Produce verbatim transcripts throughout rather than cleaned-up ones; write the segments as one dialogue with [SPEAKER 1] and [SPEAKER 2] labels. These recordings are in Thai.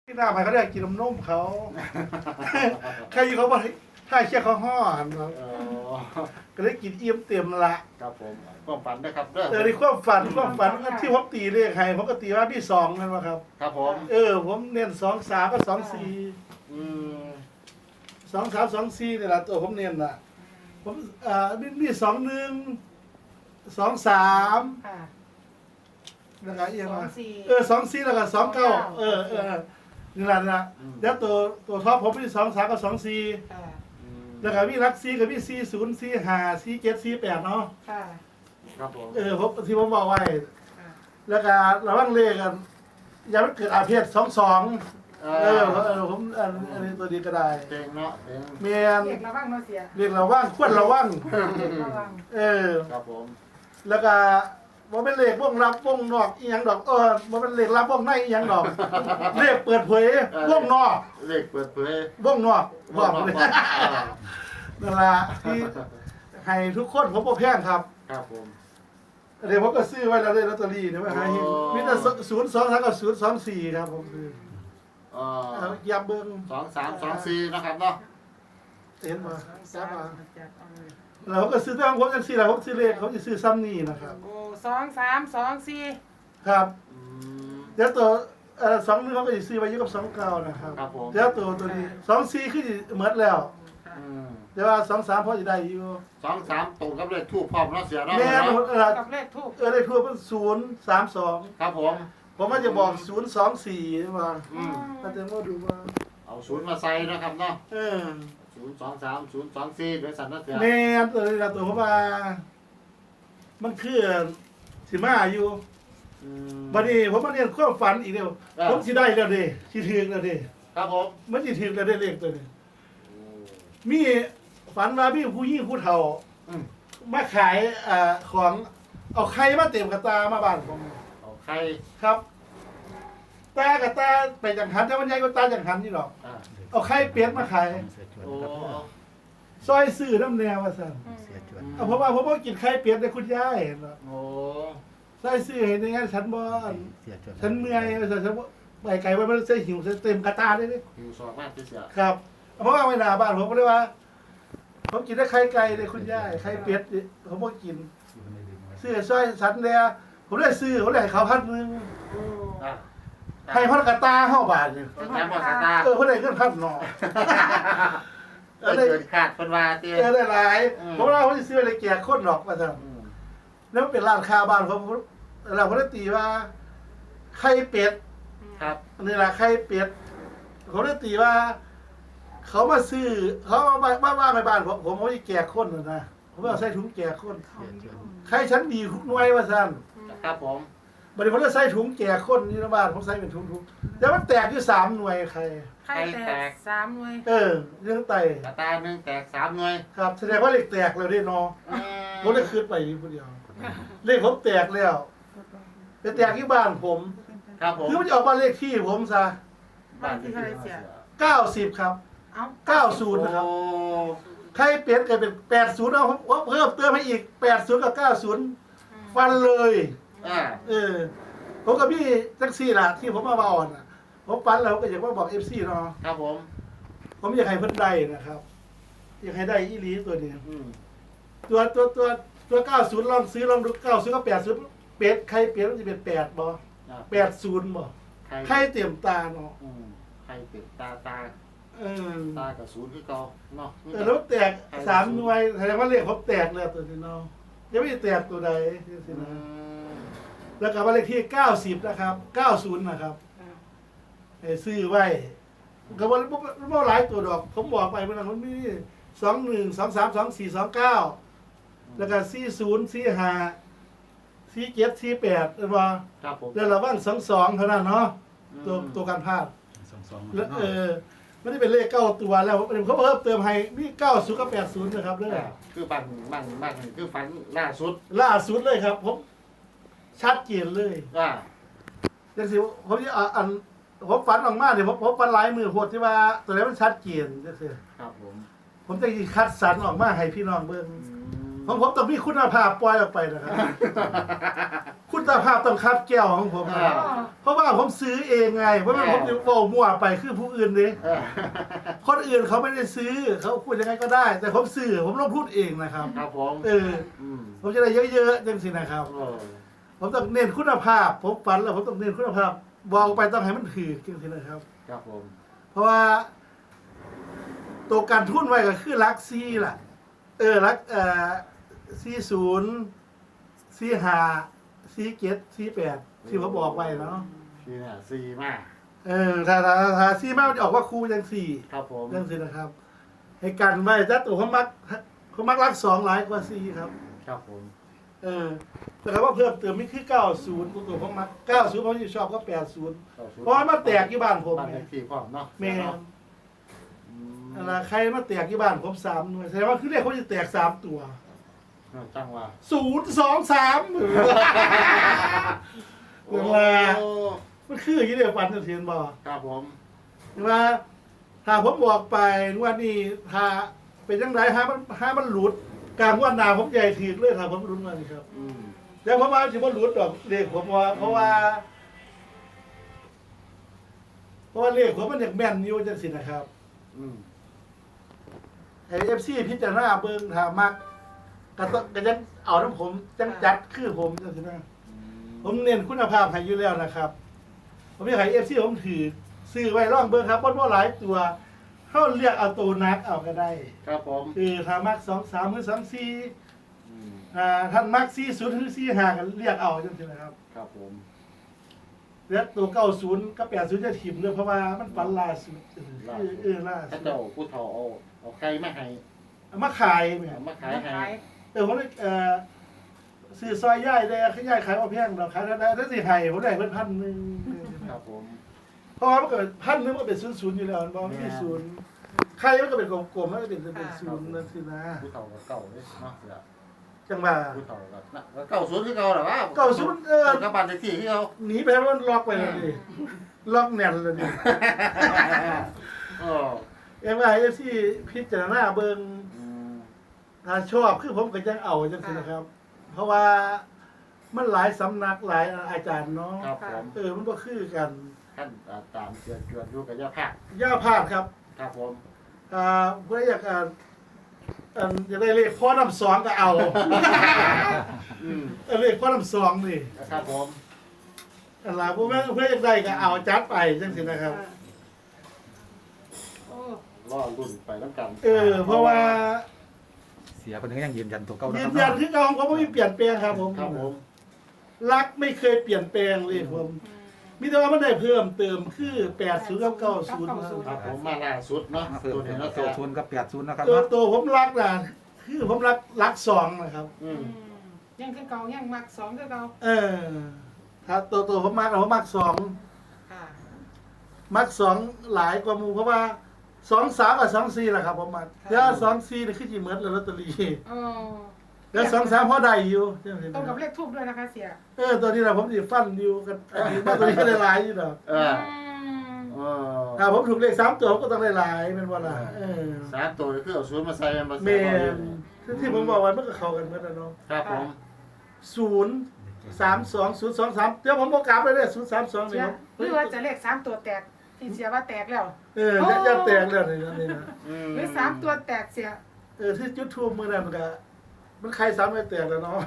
[SPEAKER 1] ที่หน้าไปเขาเรียกกินนมนมเขาใครเขาบอกถ้าเชี่ยเขาห่อก็ได้กินเอี่ยมเต็มละ
[SPEAKER 2] ครับผมความฝันนะครับเด้อ
[SPEAKER 1] เออในความฝันความฝันที่ผมตีเลขให้ผมก็ตีว่าที่สองนั่นวะครับ
[SPEAKER 2] ครับผม
[SPEAKER 1] เออผมเน้นสองสามก็สองสี่สองสามสองสี่นี่แหละตัวผมเน้นน่ะผมอ่านี่นี่สองหนึ่งสองสามแล้วก็เอียงมาเออสองสี่แล้วก็สองเก้าเออเออนี่แหละนะแล้วตัวตัวท็อปผมมีสองสามกับสองสี่แล้วก็มีรักซีกับมีสี่ศูนย์สี่ห้าสี่เจ็ดสี่แปดเนาะ
[SPEAKER 2] ครับผม
[SPEAKER 1] เออผมที่ผมบอกไว้แล้วก็ระวังเลขกันอย่าไปเกิดอาเพศสองสองเออเออผมอันอันนี้ตัวดีก็ได้
[SPEAKER 2] เต็งเนาะเต็ง
[SPEAKER 1] เมียน
[SPEAKER 3] เรียกระวังเนาะเสีย
[SPEAKER 1] เรียกระวังควรระวังเออ
[SPEAKER 2] ครับผม
[SPEAKER 1] แล้วก็บ่เป็นเลขวงรับวงนอกอีหยังดอกเออบ่เป็นเลขรับวงในอีหยังดอกเลขเปิดเผยวงนอก
[SPEAKER 2] เลขเปิดเผยว
[SPEAKER 1] งนอกบอกเลยนั่นล่ะที่ให้ทุกคนผมบ่แพงครับ
[SPEAKER 2] ครับผม
[SPEAKER 1] เดี๋ยวผมก็ซื้อไว้แล้วเลยลอตเตอรี่เนี่ยว่าให้มีแต่ศูนย์สองสามกับศูนย์สองสี่ครับผมซื้อ
[SPEAKER 2] เอ่
[SPEAKER 1] อยาเบิ่ง
[SPEAKER 2] สองสามสองสี่นะครับเนาะ
[SPEAKER 1] เห็นบ่จับมาเราก็ซื้อตั้งผมจังซี่ล่ะผมซื้อเลขเขาจะซื้อซ้ำนี่นะครับ
[SPEAKER 3] โอ้สองสามสองสี่
[SPEAKER 1] ครับเดี๋ยวตัวเอ่อสองนึงเขาก็จะซื้อไว้อยู่กับสองเก้านะครับ
[SPEAKER 2] ครับผม
[SPEAKER 1] เดี๋ยวตัวตัวนี้สองสี่คือหมดแล้วเดี๋ยวว่าสองสามพอจะได้อยู่
[SPEAKER 2] สองสามตรงกับเลขทูบพร้อมเนาะเสียเนาะ
[SPEAKER 1] แม่
[SPEAKER 3] เออกับเลขทูบ
[SPEAKER 1] เออเลขทูบเป็นศูนย์สามสอง
[SPEAKER 2] ครับผม
[SPEAKER 1] ผมว่าจะบอกศูนย์สองสี่มาอืมถ้าเต็มว่าดูว่า
[SPEAKER 2] เอาศูนย์มาใส่นะครับเนาะ
[SPEAKER 1] เออ
[SPEAKER 2] ศูนย์สองสามศูนย์สองสี่โดยสันนัดเสีย
[SPEAKER 1] แม่ตัวนี้ละตัวผมว่ามันคือสิมาอยู่วันนี้ผมมาเรียนความฝันอีกเดียวผมสิได้แล้วดิสิถึงแล้วดิ
[SPEAKER 2] ครับผม
[SPEAKER 1] มันสิถึงแล้วได้เลขตัวนี้มีฝันว่ามีผู้หญิงผู้เฒ่ามาขายอ่าของเอาไข่มาเต็มกระตามาบ้านผม
[SPEAKER 2] เอาไข่
[SPEAKER 1] ครับตากระตาไปจังหันแต่มันใหญ่กว่าตาจังหันนี่หรอกเอาไข่เป็ดมาขายซอยซื้อน้ำแนวว่าสั่นเอาเพราะว่าผมบ่กินไข่เป็ดในคุณยายเนาะ
[SPEAKER 2] โอ้
[SPEAKER 1] ซอยซื้อเห็นยังไงฉันบ่ฉันเมื่อยฉันฉันไปไกลไว้มันใส่หิวเต็มกระตาเลยนี่
[SPEAKER 2] หิวสอบมากที่เสีย
[SPEAKER 1] ครับเพราะว่าไม่นาบ้านผมก็เลยว่าผมกินได้ไข่ไก่เลยคุณยายไข่เป็ดผมบ่กินซื้อซอยฉันเนี่ยผมได้ซื้อผมได้เขาพันนึงให้พันกระตาเข้าบาทนี่
[SPEAKER 2] ให้พันกระตา
[SPEAKER 1] เออเขาได้เงินพันหน่อ
[SPEAKER 2] เออเกินขาดคนว่าเตี้ย
[SPEAKER 1] เออได้หลายผมว่าเขาจะซื้ออะไรแจกคนหรอกมาทำแล้วเป็นร้านค้าบ้านเขาเราเขาได้ตีว่าไข่เป็ด
[SPEAKER 2] ครับ
[SPEAKER 1] นี่แหละไข่เป็ดเขาได้ตีว่าเขามาซื้อเขาเอามาบ้านบ้านในบ้านผมผมเขาจะแจกคนนะผมเอาใส่ถุงแจกคนไข่ชั้นดีคุกน้อยว่าสั้น
[SPEAKER 2] ครับผม
[SPEAKER 1] บริษัทจะใส่ถุงแจกคนนี่นะบ้านผมใส่เป็นถุงถุงแต่มันแตกอยู่สามหน่วยใคร
[SPEAKER 3] ไข่แตกสามหน่วย
[SPEAKER 1] เออเรื่องไต
[SPEAKER 2] กระตาหนึ่งแตกสามหน่วย
[SPEAKER 1] ครับแสดงว่าเลขแตกแล้วได้นอผมได้คืนไปคนเดียวเลขผมแตกแล้วแต่แตกที่บ้านผม
[SPEAKER 2] ครับผม
[SPEAKER 1] คือมันจะออกมาเลขที่ผมซะ
[SPEAKER 3] บ้านที่เท่าไรเสีย
[SPEAKER 1] เก้าสิบครับเก้าศูนย์นะครับใครเปลี่ยนกลายเป็นแปดศูนย์เอาเพิ่มเติมให้อีกแปดศูนย์กับเก้าศูนย์ฟันเลยเออผมกับพี่แท็กซี่ล่ะที่ผมมาบอลนะผมฟันแล้วก็อยากว่าบอกเอฟซีเนาะ
[SPEAKER 2] ครับผม
[SPEAKER 1] ผมอยากให้เพิ่นได้นะครับอยากให้ได้อีหลีตัวนี้ตัวตัวตัวตัวเก้าศูนย์ลองซื้อลองดูเก้าศูนย์กับแปดศูนย์เป็ดใครเปลี่ยนมันจะเป็นแปดบ่แปดศูนย์บ่ใครเต็มตาเนาะ
[SPEAKER 2] ใครเต็มตาตา
[SPEAKER 1] เออ
[SPEAKER 2] ตากับศูนย์คือเก่าเนาะ
[SPEAKER 1] เออแล้วแตกสามหน่วยแสดงว่าเลขผมแตกแล้วตัวนี้เนาะยังไม่แตกตัวใดสินะแล้วกับเลขที่เก้าสิบนะครับเก้าศูนย์นะครับให้ซื้อไว้ก็บ่บ่หลายตัวดอกผมบอกไปเมื่อนั้นมันมีสองหนึ่งสองสามสองสี่สองเก้าแล้วก็สี่ศูนย์สี่ห้าสี่เจ็ดสี่แปดเห็นบ่
[SPEAKER 2] ครับผม
[SPEAKER 1] เดี๋ยวระวังสองสองเท่านั้นเนาะตัวตัวการพลาดสองสองแล้วเออไม่ได้เป็นเลขเก้าตัวแล้วเขาเพิ่มเติมให้มีเก้าศูนย์กับแปดศูนย์นะครับเด้อ
[SPEAKER 2] คือบันบันบันคือฝันล่าสุด
[SPEAKER 1] ล่าสุดเลยครับผมชัดเจนเลย
[SPEAKER 2] ว่า
[SPEAKER 1] อย่างสิผมจะอันผมฝันออกมาเดี๋ยวผมผมฝันหลายมือโหดที่ว่าตัวนี้มันชัดเจนจังซี่
[SPEAKER 2] ครับผม
[SPEAKER 1] ผมจะคัดสรรออกมาให้พี่น้องเบิ่งของผมต้องมีคุณภาพปล่อยออกไปนะครับ คุณภาพต้องคับแก้วของผมนะ
[SPEAKER 2] อ่า
[SPEAKER 1] เพราะว่าผมซื้อเองไงเพราะว่าผมจะโฟมั่วไปคือผู้อื่นดิ
[SPEAKER 2] เออ
[SPEAKER 1] คนอื่นเขาไม่ได้ซื้อเขาพูดยังไงก็ได้ แต่ผมซื้อผมต้องพูดเองนะครับ
[SPEAKER 2] ครับผม
[SPEAKER 1] เออ
[SPEAKER 2] อืม
[SPEAKER 1] ผมจะได้เยอะๆจังสินะครับ
[SPEAKER 2] เออ
[SPEAKER 1] ผมต้องเน้นคุณภาพ ผมฝันแล้วผมต้องเน้นคุณภาพบอกไปต้องให้มันถือจังสินะครับ
[SPEAKER 2] ครับผม
[SPEAKER 1] เพราะว่า ตัวการทุนไว้ก็คือลักซี่ล่ะ เออลักเอ่อซี่ศูนย์ซี่ห้าซี่เจ็ดซี่แปดที่ผมบอกไว้เนาะ
[SPEAKER 2] ที่เนี่ยซีมาก
[SPEAKER 1] เออถ้าถ้าถ้าซี่มากมันจะออกว่าครูยังสี่
[SPEAKER 2] ครับผม
[SPEAKER 1] จังสินะครับ ให้กันไว้ถ้าตัวเขามักเขามักรักสองหลายกว่าซี่ครับ
[SPEAKER 2] ครับผม
[SPEAKER 1] เออแต่คำว่าเพิ่มเติมไม่คือเก้าศูนย์ตัวผมมักเก้าศูนย์ผมจะชอบก็แปดศูนย์เพราะว่ามาแตกที่บ้านผม
[SPEAKER 2] บ้านเล
[SPEAKER 1] ไง
[SPEAKER 2] ขที่พร้อมเนาะ
[SPEAKER 1] แม่
[SPEAKER 2] อืม
[SPEAKER 1] อะไรใครมาแตกที่บ้านผมสามหน่วยแสดงว่าคือเรียกเขาจะแตกสามตัว
[SPEAKER 2] จังหวะ
[SPEAKER 1] ศูนย์สองสามเวลา
[SPEAKER 2] โอ้
[SPEAKER 1] มันคืออย่างนี้เดียวฟันจะเทียนบอก
[SPEAKER 2] ครับผม
[SPEAKER 1] ว่าถ้าผมบอกไปว่านี่ถ้าเป็นยังไงฮะมันฮะมันหลุดกลางวันหนาผมใหญ่ถีกเลยครับผมรุ้นมานี่ครับ
[SPEAKER 2] อืม
[SPEAKER 1] แล้วผมว่าถือว่าหลุดดอกเลขผมว่าเพราะว่า เพราะว่าเลขผมมันอยากแม่นอยู่จังสินะครับ
[SPEAKER 2] อืม
[SPEAKER 1] ไอเอฟซีพิจารณาเบิ่งถ้ามักก็ต้องก็ยังเอาน้ำผมจังจัดคือผมจังสินะผมเน้นคุณภาพให้อยู่แล้วนะครับ ผมอยากให้เอฟซีผมถือซื้อไว้ร่องเบิ่งครับเพราะว่าหลายตัวเขาเรียกเอาตัวนักเอาก็ได้
[SPEAKER 2] ครับผม
[SPEAKER 1] คือถ้ามักสองสามหรือสามสี่
[SPEAKER 2] อืม
[SPEAKER 1] อ่าท่านมักสี่ศูนย์หรือสี่ห้ากันเรียกเอาจังสินะครับ
[SPEAKER 2] ครับผม
[SPEAKER 1] แล้วตัวเก้าศูนย์กับแปดศูนย์จะถิ่มเลยเพราะว่ามันฝันล่าสุดเออเออล่า
[SPEAKER 2] ถ้า
[SPEAKER 1] สุด
[SPEAKER 2] เจ้าผู้เฒ่าเอาเอาไข่มาให้
[SPEAKER 1] เอามาขายเนี่ย
[SPEAKER 2] เอามาขายให้
[SPEAKER 3] ขาย
[SPEAKER 1] เออผมเลยเอ่อซื้อซอยย่ายได้ขยายขายเอาแพงเราขายได้ถ้าสิให้ผมได้เพิ่นพันหนึ่ง
[SPEAKER 2] ครับผม
[SPEAKER 1] เพราะว่ามันเกิดพันหนึงมันเป็นศูนย์ศูนย์อยู่แล้วมันบอกที่ศูนย์ใครมันก็เป็นกลมๆมันก็เป็นเป็นศูนย์นั่นสินะ
[SPEAKER 2] ผู้เฒ่าก็เก่าเลยเนาะเสีย
[SPEAKER 1] จังหวะ
[SPEAKER 2] ผู้เฒ่าก็น่ะก็เก่าศูนย์ที่เก่าเหรอวะ
[SPEAKER 1] เก้าศูนย์เออ
[SPEAKER 2] กับบ้านเลขที่ที่เขา
[SPEAKER 1] หนีไปแล้วมันล็อกไปเลยดิล็อกแน่นเลยดิ
[SPEAKER 2] อ๋อ
[SPEAKER 1] เอ็มไอเอฟซีพิจารณาเบิ่ง
[SPEAKER 2] อืม
[SPEAKER 1] ถ้าชอบคือผมก็ยังเอาจังสินะครับ เพราะว่ามันหลายสำนักหลายอาจารย์เนาะ
[SPEAKER 2] ครับผม
[SPEAKER 1] เออมันก็คือกัน
[SPEAKER 2] ท่านอ่าตามเชือนเชือนอยู่กับยาผัก
[SPEAKER 1] ย่าพาดครับ
[SPEAKER 2] ครับผม
[SPEAKER 1] อ่าเพื่ออยากอ่าอันจะได้เลขข้อน้ำสองก็เอา
[SPEAKER 2] อืม
[SPEAKER 1] เออเลขข้อน้ำสองนี่
[SPEAKER 2] ครับผม
[SPEAKER 1] อะไรพวกนั้นเพื่ออยากได้ก็เอาจัดไปจังสินะครับ
[SPEAKER 3] โอ้
[SPEAKER 2] รอรุ่นไปแล้วกัน
[SPEAKER 1] เออ เพราะว่า
[SPEAKER 4] เสียคนนึงก็ยังยืนยันตัวเก่านะ
[SPEAKER 1] ยื
[SPEAKER 4] ครั
[SPEAKER 1] น
[SPEAKER 4] บ
[SPEAKER 1] ยันคือเก่าเขาไม่มีเปลี่ยนแปลงครับผม
[SPEAKER 2] ครับผม
[SPEAKER 1] รักไม่เคยเปลี่ยนแปลงเลยผม มีแต่ว่ามันได้เพิ่มเติมคือแปดศูนย์กับเก้าศูนย์
[SPEAKER 2] ครับผมมาล่าสุดเนาะ
[SPEAKER 4] เพิ่ม
[SPEAKER 2] ตัว
[SPEAKER 4] เป็
[SPEAKER 2] นี้
[SPEAKER 4] น
[SPEAKER 2] เนาะ
[SPEAKER 4] เก้า
[SPEAKER 2] เสีย
[SPEAKER 4] ศูนย์กับแปดศูนย์นะครับ
[SPEAKER 1] ตัว
[SPEAKER 4] เนาะ
[SPEAKER 1] ตัวผมรักนะคือผมรักรักสองนะครับ
[SPEAKER 2] อืม
[SPEAKER 3] ยังคือเก่ายังมักสองคือเก่า
[SPEAKER 1] เออ ถ้าตัวตัวผมมักนะผมมักสอง
[SPEAKER 3] ค่ะ
[SPEAKER 1] มักสองหลายกว่าหมูเพราะว่าสองสามกับสองสี่แหละครับผมมักแล้วสองสี่นี่คือจีเหมือนลอตเตอรี่
[SPEAKER 3] โอ้
[SPEAKER 1] แล้วสองสามพอได้อยู่ใช่ไหม
[SPEAKER 3] ตรงกับเลขทูบด้วยนะคะเสีย
[SPEAKER 1] เออตัวนี้แหละผมจะฟันอยู่กันอันนี้มาตัวนี้ก็ได้หลายอยู่ดอก
[SPEAKER 2] เออ
[SPEAKER 3] ม
[SPEAKER 2] เออ
[SPEAKER 1] ถ้าผมถูกเลขสามตัวผมก็ต้องได้หลายเป็นว่าล่ะเออ
[SPEAKER 2] สามตัวคือเอาศูนย์มาใส่มา
[SPEAKER 1] เม
[SPEAKER 2] ใส่
[SPEAKER 1] นที่ที่ผมบอกไว้มันก็เข้ากันเหมือนกันเนาะ
[SPEAKER 2] ครับผม
[SPEAKER 1] ศูนย์สามสองศูนย์สองสามเดี๋ยวผมบอกกลับเลยเนี่ยศูนย์สามสอง
[SPEAKER 3] เสี
[SPEAKER 1] นี่
[SPEAKER 3] ย
[SPEAKER 1] ครับ
[SPEAKER 3] หรือว่าจะเลขสามตัวแตกที่เสียว่าแตกแล้ว
[SPEAKER 1] เออจะจะแตกแล้วนี่นะนี่นะ
[SPEAKER 2] อืม
[SPEAKER 3] หรือสามตัวแตกเสีย
[SPEAKER 1] เออที่จุดทูบมือนั่นมันก็มันใครสามไม่แตกแล้วเนาะ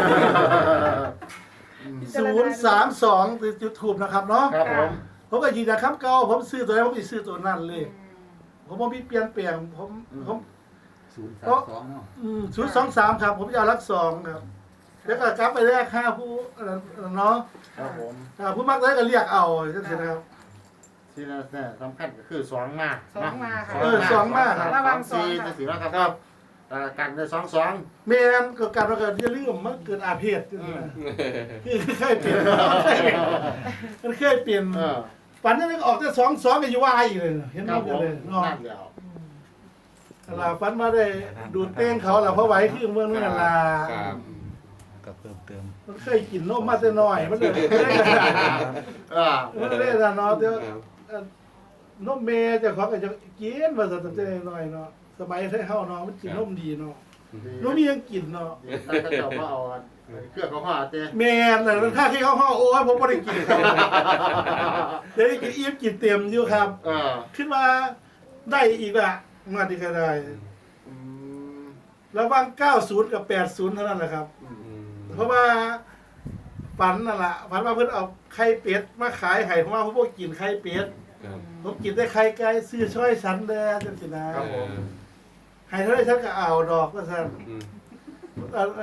[SPEAKER 1] ศูนย์สามสองคือจุดทูบนะครับเนาะ
[SPEAKER 2] ครับผม
[SPEAKER 1] ผมก็ยืนยันคำเก่าผมซื้อตัวไหนผมจะซื้อตัวนั้นเลย
[SPEAKER 3] อืม
[SPEAKER 1] ผมบ่มีเปลี่ยนแปลงผมผม
[SPEAKER 4] ศูนย์สามสองเนาะ
[SPEAKER 1] ศูนย์สองสามครับผมจะเอารักสองครับแล้วก็กลับไปแรกห้าผู้อันนั้นเนาะ
[SPEAKER 2] ครับผม
[SPEAKER 1] อ่าผู้มักได้ก็เรียกเอาจังซี่นะครับ
[SPEAKER 2] ที่นั่นเนี่ยสำคัญก็คือสองมา
[SPEAKER 3] สองมาค่ะ
[SPEAKER 1] เออสองมาครับ
[SPEAKER 3] ระวังสอง
[SPEAKER 2] สี่
[SPEAKER 3] ค่ะ
[SPEAKER 2] จะสี่แล้วครับครับอ่ากันได้สองสอง
[SPEAKER 1] แม่นก็การว่าเกิดอย่าลืมมันเกิดอาเพศจังซี่นะคือเคยเปลี่ยนมันเคยเปลี่ยน
[SPEAKER 2] เออ
[SPEAKER 1] ฝันยังไงก็ออกแต่สองสองก็อยู่ว่าอีกเลยเห็น
[SPEAKER 2] ครับ
[SPEAKER 1] ไห
[SPEAKER 2] ผม
[SPEAKER 1] เลยเนาะ
[SPEAKER 2] นั่นเดียว
[SPEAKER 1] ลาฝันมาได้ดูดเต้งเขาล่ะเพราะไหวคือเมืองนั่นล่ะ
[SPEAKER 4] ครับก็เพิ่มเติม
[SPEAKER 1] มันเคยกินนมมาแต่น้อยมันเลยไม่ได้ขนาดนั้น
[SPEAKER 2] เออ
[SPEAKER 1] มันเลยนะเนาะเดี๋ยวเอ่อนมเมย์เจะของก็จะกินมาตั้งแต่น้อยเนาะสมัยไทยเฮาเนาะมันกินนมดีเนาะ
[SPEAKER 2] ค
[SPEAKER 1] น้องมียังกินเนาะ
[SPEAKER 2] ดีถ้าเจ้าก็เอาเครื่องของห่อเต้
[SPEAKER 1] แม่นแต่ค่าที่เขาห้องโอ้ยผมไม่ได้กินครับเดี๋ยวได้กินอิ่มกินเต็มอยู่ครับ
[SPEAKER 2] เออ
[SPEAKER 1] คิดว่าได้อีกอะมาดีก็ได้
[SPEAKER 2] อืม
[SPEAKER 1] ระหว่างเก้าสิบกับแปดสิบเท่านั้นแหละครับ
[SPEAKER 2] อืม
[SPEAKER 1] เพราะว่าฝันนั่นแหละฝันว่าเพื่อนเอาไข่เป็ดมาขายให้เพราะว่าผมบ่กินไข่เป็ด
[SPEAKER 5] ครับ
[SPEAKER 1] ผมกินแต่ไข่ไก่ซื้อช่อยสันเด้อจังสินะครับ
[SPEAKER 2] ผม
[SPEAKER 1] ให้เท่าไรฉันก็เอาดอกว่าซั่น
[SPEAKER 5] อืม
[SPEAKER 1] เอ่อ